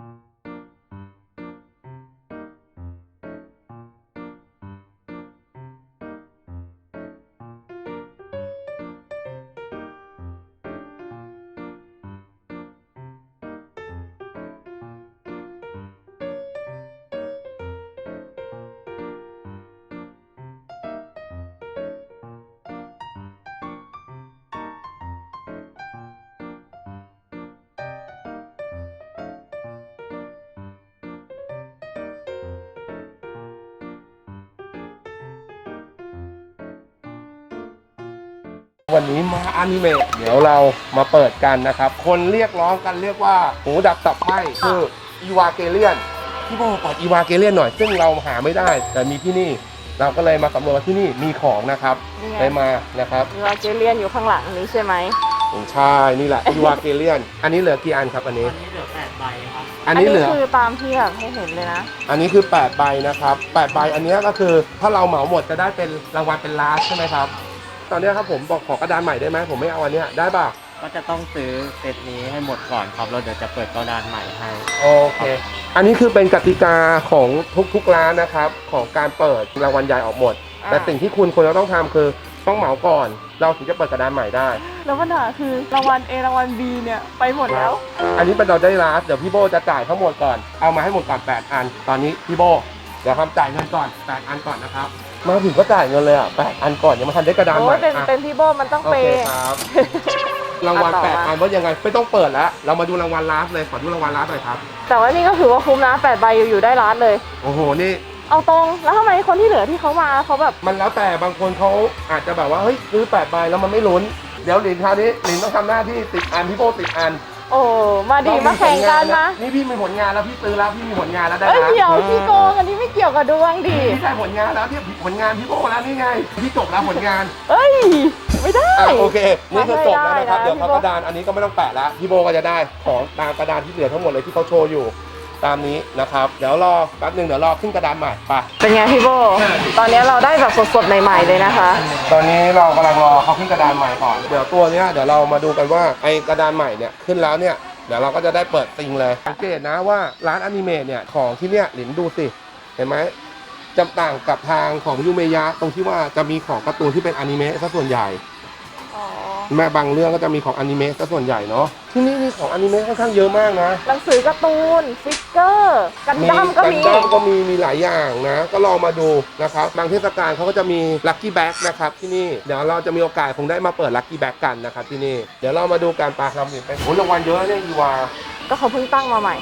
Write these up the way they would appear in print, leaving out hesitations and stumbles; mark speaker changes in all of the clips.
Speaker 1: วันนี้มาอนิเมะเดี๋ยวเรามาเปิดกันนะครับคนเรียกร้องกันเรียกว่าหูดับตับไหม้คืออีวาเกเลียนพี่โบเปิดอีวาเกเลียนหน่อยซึ่งเราหาไม่ได้แต่มีที่นี่เราก็เลยมาสำรวจว่าที่นี่มีของนะครับได้มานะครับ
Speaker 2: อีวาเกเลียนอยู่ข้างหลังนี้ใช่ไหม
Speaker 1: ใช่นี่แหละอีวาเกเลียนอันนี้เหลือกี่อันครับอันนี้
Speaker 3: เหลือ8 ใบครับ
Speaker 1: อันนี้เหลือ
Speaker 2: คือตามที่แบบให้เห็นเลยนะ
Speaker 1: อันนี้คือ8 ใบนะครับ8 ใบอันนี้ก็คือถ้าเราเหมาหมดจะได้เป็นรางวัลเป็นล้านใช่ไหมครับตอนนี้ครับผมบอกขอกระดานใหม่ได้ไหมผมไม่เอาอันนี้ได้ป่ะ
Speaker 3: ก็จะต้องซื้อเซตนี้ให้หมดก่อนครับเราเดี๋ยวจะเปิดกระดานใหม่ให้
Speaker 1: โอเคอันนี้คือเป็นกติกาของทุกร้านนะครับของการเปิดรางวัลใหญ่ออกหมดแต่สิ่งที่คุณควรจะต้องทำคือต้องเหมาก่อนเราถึงจะเปิดกระดานใหม่ได้
Speaker 2: แล้วปัญหาคือรางวัล A รางวัล B เนี่ยไปหมดแล้ว
Speaker 1: อันนี้เป็นเราได้ร้านเดี๋ยวพี่โบจะจ่ายทั้งหมดก่อนเอามาให้หมดก่อน8 อันตอนนี้พี่โบเดี๋ยวทำจ่ายเงินก่อน8 อันก่อนนะครับมาถึงก็จ่ายเงินเลยอ่ะ8 อันก่อนยังไม่ทันได้กระดานใหม่
Speaker 2: เป็นพี่โบมันต้องเปย์
Speaker 1: ครับรางวัล8 อันว่ายังไงไม่ต้องเปิดแล้วเรามาดูรางวัลลาสเลยขอดูรางวัลลาสหน่อยครับ
Speaker 2: แต่ว่านี่ก็ถือว่าคุ้มนะ8 ใบอยู่ได้ล้านเลย
Speaker 1: โอ้โหนี่
Speaker 2: เอาตรงแล้วทำไมคนที่เหลือที่เขามาเขาแบบ
Speaker 1: มันแล้วแต่บางคนเขาอาจจะแบบว่าเฮ้ยซื้อ8 ใบแล้วมันไม่ลุ้นเดี๋ยวหลินคราวนี้หลินต้องทำหน้าที่10 อันพี่โบ10 อัน
Speaker 2: โอ้มาดีมาแข่งกันนะ
Speaker 1: นี่พี่มีผลงานแล้วพี่ซื้อแล้วพี่มีผลงานแล้วได้
Speaker 2: นะเดี๋ยวพี่โกงอันนี้ไม่เกี่ยวกับดวงดิ
Speaker 1: พี่ได้ผลงานแล้วที่ผลงานพี่โบแล้วนี่ไงพี่จบแล้วผลงาน
Speaker 2: ไม่ได้
Speaker 1: โอเคนี่คือจบแล้วนะครับเดี๋ยวเขากระดานอันนี้ก็ไม่ต้องแปะแล้วพี่โบก็จะได้ของตามกระดานที่เหลือทั้งหมดเลยที่เขาโชว์อยู่ตามนี้นะครับเดี๋ยวรอแป๊บนึงเดี๋ยวรอขึ้นกระดานใหม่ไป
Speaker 2: เป็นไงพี่โบตอนนี้เราได้แบบสดๆใหม่ๆเลยนะคะ
Speaker 1: ตอนนี้เรากำลังรอเขาขึ้นกระดานใหม่ก่อนเดี๋ยวตัวเนี้ยเดี๋ยวเรามาดูกันว่าไอกระดานใหม่เนี่ยขึ้นแล้วเนี่ยเดี๋ยวเราก็จะได้เปิดซิงเลยสังเกตนะว่าร้านอนิเมะเนี่ยของที่เนี่ยหลินดูสิเห็นไหมจำต่างกับทางของยูเมยะตรงที่ว่าจะมีของการ์ตูนที่เป็นอนิเมะซะส่วนใหญ่แม่บางเรื่องก็จะมีของอนิเมะซะส่วนใหญ่เนาะที่นี่มีของอนิเมะค่อนข้างเยอะมากนะ
Speaker 2: หนังสือการ์ตูนฟิกเกอร์กันดั้ม
Speaker 1: ก็มีหลายอย่างนะก็ลองมาดูนะครับบางเทศกาลเขาก็จะมีลัคกี้แบ็กนะครับที่นี่เดี๋ยวเราจะมีโอกาสคงได้มาเปิดลัคกี้แบ็กกันนะครับที่นี่เดี๋ยวเรามาดูการปาคำสิเป็นรางวัลเยอะเนี่ยอีวา
Speaker 2: ก็เขาเพิ่งตั้งมาใหม่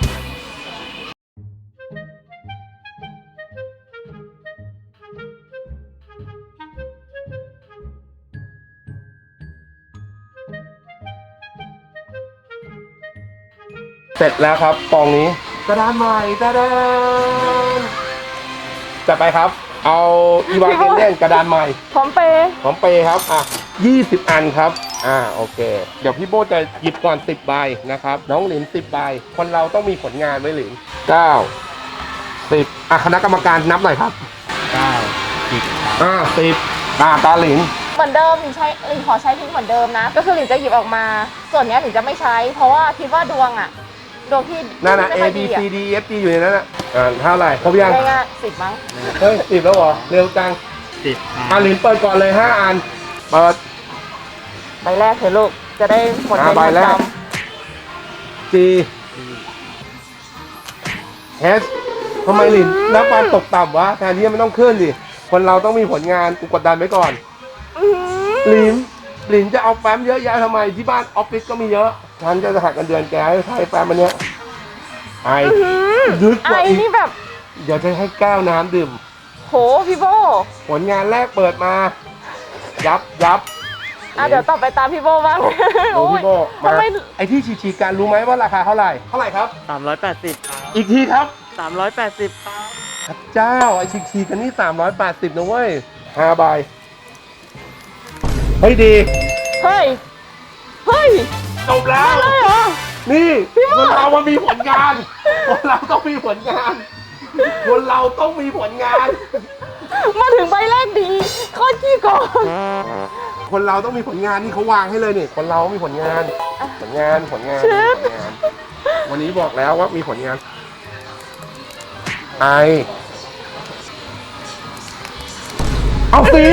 Speaker 1: เสร็จแล้วครับกองนี้กระดานใหม่กระดานจัดไปครับเอาอีวาเกเลียนกระดานใหม่
Speaker 2: พร้อมเปย์
Speaker 1: ครับ20 อันครับโอเคเดี๋ยวพี่โบจะหยิบก่อน10 ใบนะครับน้องหลิน10 ใบคนเราต้องมีผลงานไว้หลิน9 10คณะกรรมการนับหน่อยครับ
Speaker 3: 9 10
Speaker 1: 10ตาหลิน
Speaker 2: เหมือนเดิมหลินขอใช้ทิ้งเหมือนเดิมนะก็คือหลินจะหยิบออกมาส่วนนี้หลินจะไม่ใช้เพราะว่าคิดว่าดวงที่
Speaker 1: นั่นนะ A B C D F G อยู่ในนั้นเท่าไหร่ครบยัง
Speaker 2: ง่าย10 มั้ง
Speaker 1: เฮ้ย10แล้วเหรอเร็วจัง
Speaker 3: 10
Speaker 1: หลินเปิดก่อนเลย5 อันเปิด
Speaker 2: ใบแรกเถอะลูกจะได้หมด
Speaker 1: ใบแรก G H ทำไมหลินนับการตกต่ำวะแทนที่มันต้องขึ้นดิคนเราต้องมีผลงานกูกดดันไว้ก่อนหลินจะเอาแฟ้มเยอะแยะทำไมที่บ้านออฟฟิศก็มีเยอะฉันจะหักเงินเดือนแกให้ใช้แฟ้มอันเนี้ย
Speaker 2: ดึกกว่าอีกนี่แบบ
Speaker 1: เดี๋ยวจะให้แก้วน้ำดื่ม
Speaker 2: โหพี่โบ
Speaker 1: ผลงานแรกเปิดมายับ
Speaker 2: เดี๋ยวต่อไปตามพี่โบบ้าง
Speaker 1: พี่โบมาไอที่ฉีกการรู้ไหมว่าราคาเท่าไหร่ครับ
Speaker 3: 380
Speaker 1: อีกทีครับ
Speaker 3: 380
Speaker 1: ครับเจ้าไอฉีกกันนี่380นะเว้ย5 ใบเฮ้ยดี
Speaker 2: เฮ้ย
Speaker 1: จบแล้วนี่คนเรามันมีผลงานคนเราต้องมีผลงาน
Speaker 2: มาถึงใบแรกดีโคตรขี้โกง
Speaker 1: คนเราต้องมีผลงานนี่เขาวางให้เลยนี่คนเรามีผลงานวันนี้บอกแล้วว่ามีผลงานไอเอาสิ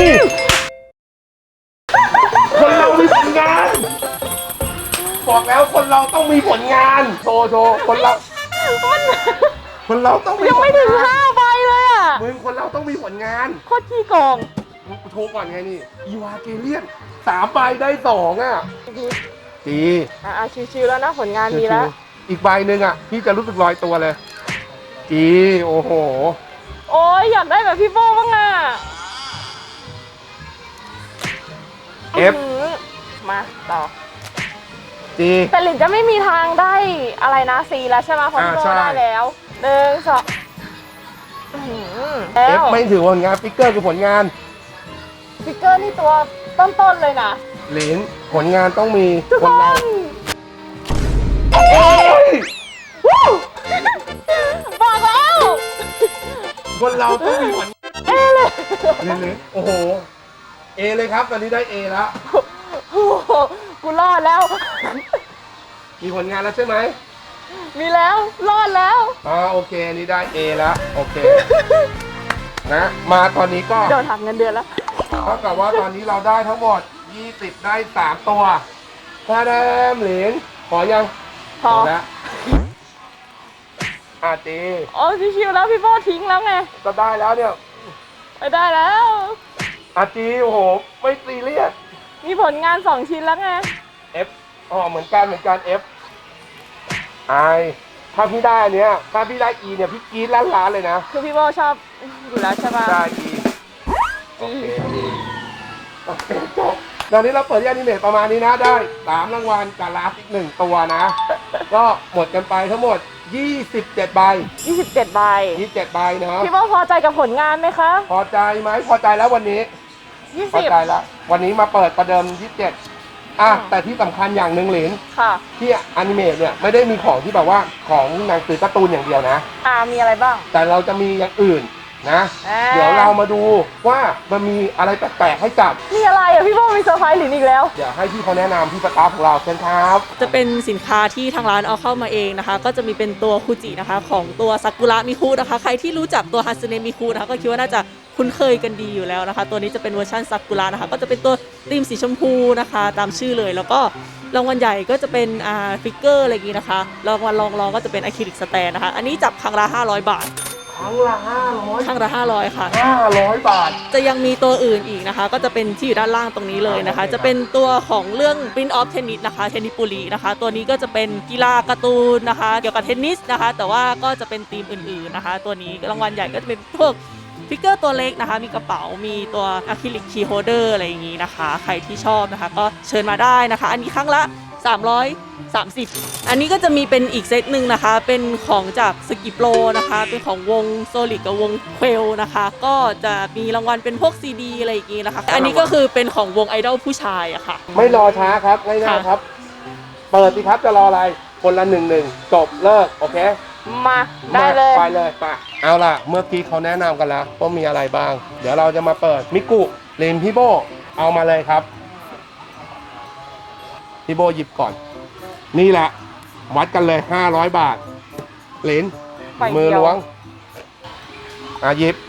Speaker 1: คนเรามีผลงาน บอกแล้วคนเราต้องมีผลงานโชว์คนเราต้องมี
Speaker 2: ยังไม่ถึง5ใบเลยอ่ะ
Speaker 1: มึงคนเราต้องมีผลงาน
Speaker 2: โคตรขี้โกง
Speaker 1: โทรก่อนไงนี่อีวาเกเลียน3 ใบได้ 2อ่ะจี
Speaker 2: ชิวๆแล้วนะผลงานมีแล้ว
Speaker 1: อีกใบหนึ่งอ่ะพี่จะรู้สึกลอยตัวเลยจีโอ้โห
Speaker 2: โอ้ยอยากได้แบบพี่โบ้บ้างอ่ะ
Speaker 1: F
Speaker 2: มาต่อ
Speaker 1: จี
Speaker 2: แต่หลินจะไม่มีทางได้อะไรนะซีแล้วใช่ไหมเพราะพี่โบ้
Speaker 1: ใช่
Speaker 2: ได้แล้ว1 2แล้
Speaker 1: เอฟ
Speaker 2: ว
Speaker 1: ไม่ถือผลงานฟิกเกอร์คือผลงาน
Speaker 2: ฟิกเกอร์นี่ตัวต้นๆเลยนะ
Speaker 1: เหรียญผลงานต้องมี
Speaker 2: ทุก
Speaker 1: ค
Speaker 2: คน
Speaker 1: เรา
Speaker 2: น
Speaker 1: โอ้ย
Speaker 2: บอกแล้ว
Speaker 1: คนเราต้องมีผล
Speaker 2: เอเลย
Speaker 1: เหรียญโอ้โหเอเลยครับตอนนี้ได้เอแล้ว
Speaker 2: โอ้โหกูรอดแล้ว
Speaker 1: มีผลงานแล้วใช่ไหม
Speaker 2: มีแล้วรอดแล้ว
Speaker 1: โอเคอันนี้ได้ A แล้วโอเค นะมาตอนนี้ก็
Speaker 2: โดนหักเงินเดือนแล้ว
Speaker 1: เท่ากับว่าตอนนี้เราได้ทั้งหมด20ได้3 ตัวถ้าได้เหรียญขอยัง
Speaker 2: พอ
Speaker 1: แล้วจี
Speaker 2: โอ้ชิวๆแล้วพี่โบ้ทิ้งแล้วไง
Speaker 1: ก็ได้แล้วเนี่ย
Speaker 2: ไปได้แล้ว
Speaker 1: จีโอ้โหไม่ซีเรียส
Speaker 2: มีผลงาน2 ชิ้นแล้วไง
Speaker 1: F เหมือนกันF ถ้าพี่ได้อันเนี้ยถ้าพี่ได้ E เนี่ยพี่กรี๊ดล้านเลยนะ
Speaker 2: คือพี่โบ้ชอบอยู่แล้วใช่ปะ
Speaker 1: ได้ E โอเคจบตอนนี้เราเปิดที่อนิเมะประมาณนี้นะได้3 รางวัลกับลาสอีก1 ตัวนะ ก็หมดกันไปทั้งหมด27 ใบ
Speaker 2: 27 ใบ
Speaker 1: 27 ใบเนาะ
Speaker 2: พี่โบ้พอใจกับผลงานไหมคะ
Speaker 1: พอใจไหมพอใจแล้ววันนี้พอใจ
Speaker 2: 20
Speaker 1: แล้ววันนี้มาเปิดประเดิม27แต่ที่สำคัญอย่างหนึ่งเหรียญ
Speaker 2: ค่ะ
Speaker 1: ที่อนิเมะเนี่ยไม่ได้มีของที่แบบว่าของหนังสือการ์ตูนอย่างเดียวนะ
Speaker 2: มีอะไรบ้าง
Speaker 1: แต่เราจะมีอย่างอื่นนะ เดี๋ยวเรามาดูว่ามันมีอะไรแปลกๆให้จับ
Speaker 2: มีอะไรอ่ะพี่โบ้มีเซอร์ไพรส์หลินอีกแล้ว
Speaker 1: เดี๋ยวให้พี่เขาแนะนำพี่สตาฟของเราเชิญครับ
Speaker 4: จะเป็นสินค้าที่ทางร้านเอาเข้ามาเองนะคะ ก็จะมีเป็นตัวคูจินะคะของตัวซากุระมิคุนะคะ ใครที่รู้จักตัวฮันซึเนะมิคุนะคะก็คิดว่าน่าจะคุ้นเคยกันดีอยู่แล้วนะคะ ตัวนี้จะเป็นเวอร์ชันซากุระนะคะ ก็จะเป็นตัวธีมสีชมพูนะคะ ตามชื่อเลย แล้วก็รางวัลใหญ่ก็จะเป็นฟิกเกอร์อะไรอย่างนี้นะคะรางวัลรองก็จะเป็นอะคริลิกสแตนนะคะ อันนี้จับครั้งละ500 บาท
Speaker 1: ครั้งละ
Speaker 4: ครั้งละ500ค่ะ
Speaker 1: 500 บาท
Speaker 4: จะยังมีตัวอื่นอีกนะคะ ก็จะเป็นที่อยู่ด้านล่างตรงนี้เลยนะคะ จะเป็นตัวของเรื่อง Prince of Tennis นะคะเทนนิสปุรีนะคะ ตัวนี้ก็จะเป็นกีฬาการ์ตูนนะคะ เกี่ยวกับเทนนิสนะคะ แต่ว่าก็จะเป็นธีมอื่นๆนะคะ ตัวนี้รางวัลใหญ่ก็จะเป็นพวกฟิกเกอร์ตัวเล็กนะคะ มีกระเป๋ามีตัวอะคริลิกคีย์โฮลเดอร์อะไรอย่างนี้นะคะ ใครที่ชอบนะคะ ก็เชิญมาได้นะคะ อันนี้ครั้งละ330 อันนี้ก็จะมีเป็นอีกเซตหนึ่งนะคะ เป็นของจากสกิโปรนะคะ เป็นของวงโซลิดกับวงเควลนะคะ ก็จะมีรางวัลเป็นพวกซีดีอะไรอย่างงี้นะคะ อันนี้ก็คือเป็นของวงไอดอลผู้ชายอะค่ะ
Speaker 1: ไม่รอช้าครับง่ายๆครับ เปิดสิครับจะรออะไรคนละ1 จบเลิกโอเค
Speaker 2: มาได้เลย
Speaker 1: ไปเลยไปเอาล่ะเมื่อกี้เขาแนะนำกันแล้วว่ามีอะไรบ้าง เดี๋ยวเราจะมาเปิดมิกุเลนพี่โบเอามาเลยครับพี่โบหยิบก่อน นี่แหละ วัดกันเลย500 บาทเหรียญ
Speaker 2: ใบเดียว
Speaker 1: มือล้วงหยิบ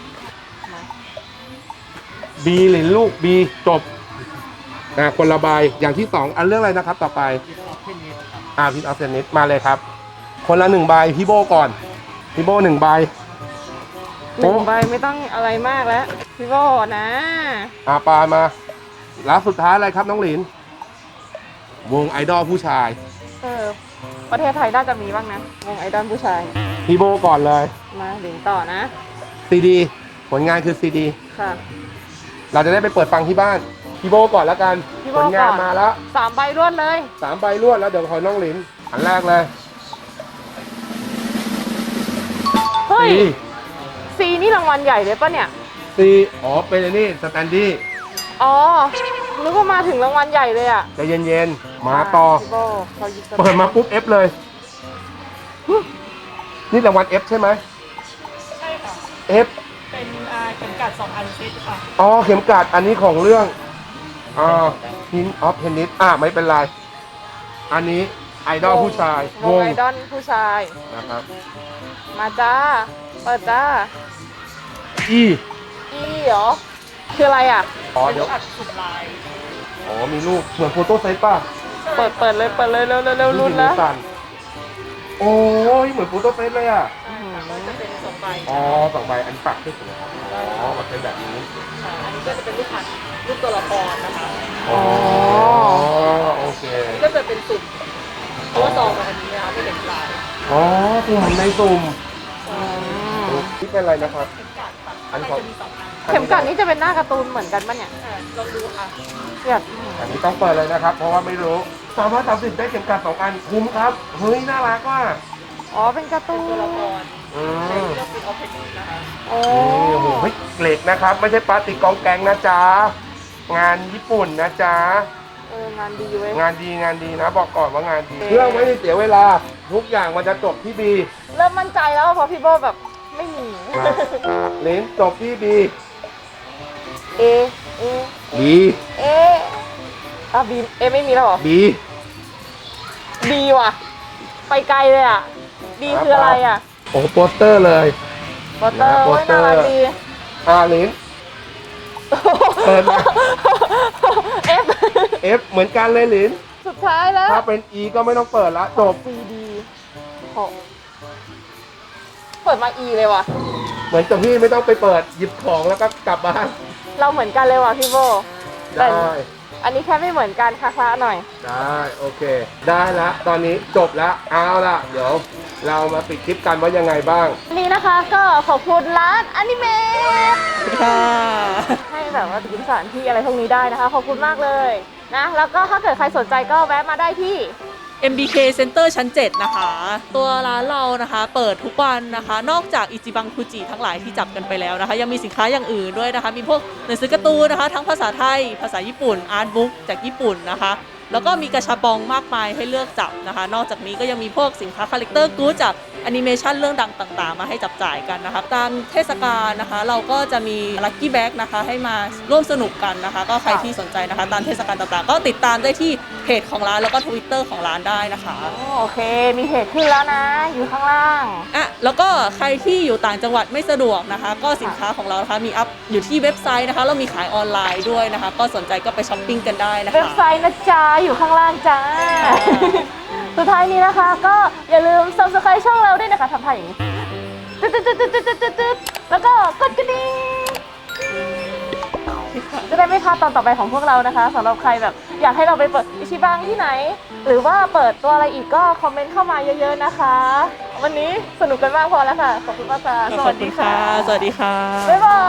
Speaker 1: บีเหรียญลูกบีจบคนละใบอย่างที่2อันเรื่องอะไรนะครับต่อไปพิทออฟเทนนิสมาเลยครับ คนละ1 ใบพี่โบก่อนพี่โบ1 ใบ
Speaker 2: 1 ใบไม่ต้องอะไรมากแล้วพี่โบ้นะ
Speaker 1: ปลามาแล้วสุดท้ายอะไรครับน้องหลินวงไอดอลผู้ชาย
Speaker 2: ประเทศไทยน่าจะมีบ้างนะวงไอดอลผู้ชาย
Speaker 1: พี่โบก่อนเลย
Speaker 2: มาหลินต่อนะ
Speaker 1: ซีดีผลงานคือซีดี
Speaker 2: ค่ะ
Speaker 1: เราจะได้ไปเปิดฟังที่บ้านพี่โบก่อนแล้วกัน
Speaker 2: พี่
Speaker 1: ผ
Speaker 2: โบ้
Speaker 1: ลงาน
Speaker 2: ก่อน
Speaker 1: มาแล้ว
Speaker 2: 3 ใบรวดเลย
Speaker 1: 3 ใบรวดแล้วเดี๋ยวคอยน้องหลินอันแรกเลย
Speaker 2: เฮ้ย
Speaker 1: ซี
Speaker 2: ซีนี่รางวัลใหญ่เลยปะเนี่ย
Speaker 1: ซีเป็นอันนี้สแตนดี้
Speaker 2: อ๋อนึกว่ามาถึงรางวัลใหญ่เลยอ่ะ
Speaker 1: ใจเย็นๆมาต่อ
Speaker 2: พี่โบ้เขาหยิบส
Speaker 1: เปิดมาปุ๊บ F เลยนี่รางวัล F ใช่ไหม
Speaker 4: ใช่ค่ะ
Speaker 1: F
Speaker 4: เป็นเข็มกัด2 อันเซตค่ะ
Speaker 1: เข็มกลัดอันนี้ของเรื่องPrince of Tennis ไม่เป็นไร อันนี้ไอดอลผู้ชายว
Speaker 2: งไอดอลผู้ชาย
Speaker 1: นะครับ
Speaker 2: มาจ้า
Speaker 1: ไป
Speaker 2: ปิดจ้า
Speaker 1: อี
Speaker 2: อีเหรอ คืออะไรอ่ะ
Speaker 1: อ๋อเดี๋ยว
Speaker 4: อัดสุ่มลาย
Speaker 1: อ๋อมีรูปเหมือนโฟโต้ไซส์ป่ะ
Speaker 2: เปิดเลยเร็วรุ่น
Speaker 1: มื
Speaker 2: นะ
Speaker 1: อสั่นโอ้ยเหมือนโฟโต้ไซส์เลยอ่ะ
Speaker 4: ก็จะเป็นสองใบ
Speaker 1: อ๋อ2 ใบอันนี้ปักที่สุดครับอ๋อมันเป็นแบบนี้
Speaker 4: อันนี้ก็จะเป็นรูปพันรูปตัวละครนะคะ
Speaker 1: อ๋อโอเค
Speaker 4: อันนี้ก็จะเป็นสุ่มเพราะว่าซองมันอันนี้นะคะไม่เห็นลาย
Speaker 1: อ๋อสุ่มในสุ่ม
Speaker 2: อืม
Speaker 1: นี่เป็นอะไรนะครับ อัน
Speaker 4: มัน
Speaker 1: ของ
Speaker 4: จะมี2 อัน
Speaker 2: เข็มกัดนี่จะเป็นหน้าการ์ตูนเหมือนกันปะเนี่ย
Speaker 4: ลองดูค่ะ
Speaker 2: อยาก
Speaker 1: อันนี้ต้องเปิดเลยนะครับ เพราะว่าไม่รู้330ได้เข็มกลัด2 อันคุ้มครับเฮ้ยน่ารักว่ะ
Speaker 2: อ๋อเป็นการ์ตู
Speaker 4: ตัวน ละคร
Speaker 1: อื
Speaker 4: ใน
Speaker 1: ม
Speaker 4: เรื่องเป็นออฟเทนนิสนะคะ
Speaker 2: โอ้
Speaker 1: นี่โอ้โหเฮ้ยเหล็กนะครับ ไม่ใช่พลาสติกกองแกงนะจ๊ะงานญี่ปุ่นนะจ๊ะ
Speaker 2: งานดีเว้ย
Speaker 1: งานดีนะ บอกก่อนว่างานดีเพื่อไม่ให้เสียเวลาทุกอย่างมันจะจบที่บี
Speaker 2: เริ่มมั่นใจแล้วเพราะพี่โบแบบไม่มี
Speaker 1: เลนจบที่บี
Speaker 2: เอ
Speaker 1: บี
Speaker 2: เออ่ะบีเอไม่มีแล้วเหรอ
Speaker 1: บี
Speaker 2: บีว่ะ ไปไกลเลยอ่ะบีคืออะไรอ่ะ
Speaker 1: โอ้โหโปสเตอร์เลย
Speaker 2: โปสเตอร์
Speaker 1: โป
Speaker 2: โอ้
Speaker 1: ส
Speaker 2: ย
Speaker 1: เตอ
Speaker 2: น่า
Speaker 1: ร์
Speaker 2: รักดี
Speaker 1: เลน เปิดมา
Speaker 2: เอฟ
Speaker 1: F เหมือนกันเลยลิน
Speaker 2: สุดท้ายแล้ว
Speaker 1: ถ้าเป็น E ก็ไม่ต้องเปิดละจบ
Speaker 2: ซีดีโหเปิดมาอีเลยว่ะ
Speaker 1: เหมือนกับพี่ไม่ต้องไปเปิดหยิบของแล้วก็กลับบ้าน
Speaker 2: เราเหมือนกันเลยว่ะพี่โบ
Speaker 1: ได้
Speaker 2: อันนี้แค่ไม่เหมือนกันคละๆหน่อย
Speaker 1: ได้โอเค ได้ละตอนนี้จบละเอาละเดี๋ยวเรามาปิดคลิปกันว่ายังไงบ้าง
Speaker 2: วันนี้นะคะก็ขอบคุณร้านอนิเมะ
Speaker 4: ค่ะ
Speaker 2: ให้แบบว่าติดสถานที่อะไรพวกนี้ได้นะคะ ขอบคุณมากเลยนะ แล้วก็ถ้าเกิดใครสนใจก็แวะมาได้ที่
Speaker 4: MBK Center ชั้น 7 นะคะ ตัวร้านเรานะคะเปิดทุกวันนะคะ นอกจากอิจิบังคุจิทั้งหลายที่จับกันไปแล้วนะคะ ยังมีสินค้าอย่างอื่นด้วยนะคะ มีพวกหนังสือการ์ตูนนะคะ ทั้งภาษาไทย ภาษาญี่ปุ่น อาร์ตบุ๊กจากญี่ปุ่นนะคะ แล้วก็มีกระชับปองมากมายให้เลือกจับนะคะ นอกจากนี้ก็ยังมีพวกสินค้าคาแรคเตอร์กู๊ดจากแอนิเมชันเรื่องดังต่างๆ มาให้จับจ่ายกันนะคะ ตามเทศกาลนะคะ เราก็จะมีลัคกี้แบ็กนะคะให้มาร่วมสนุกกันนะคะ ก็ใครที่สนใจนะคะ ตามเทศกาลต่างๆ ก็ติดตามได้ที่เพจของร้านแล้วก็ Twitter ของร้านได้นะคะ
Speaker 2: โอเค มีเพจขึ้นแล้วนะ อยู่ข้างล่าง
Speaker 4: อ่ะแล้วก็ใครที่อยู่ต่างจังหวัดไม่สะดวกนะคะ ก็สินค้าของเรานะคะมีอัพอยู่ที่เว็บไซต์นะคะเรามีขายออนไลน์ด้วยนะคะ ก็สนใจก็ไปช้อปปิ้งกันได้นะคะ
Speaker 2: เว็บไซต์นะจ๊ะ อยู่ข้างล่างจ้า สุดท้ายนี้นะคะ ก็อย่าลืม subscribe ช่องเราด้วยนะคะทำท่าอย่างนี้ตึ๊ดแล้วก็กดกระดิ่งจะได้ไม่พลาดตอนต่อไปของพวกเรานะคะสำหรับใครแบบอยากให้เราไปเปิดอิชิบังที่ไหน หรือว่าเปิดตัวอะไรอีกก็คอมเมนต์เข้ามาเยอะๆนะคะ วันนี้สนุกกันมากพอแล้วค่ะ ขอบคุณมากค่ะ
Speaker 4: ขอบคุณค่ะ สวัสดีค่ะ
Speaker 2: บ๊ายบาย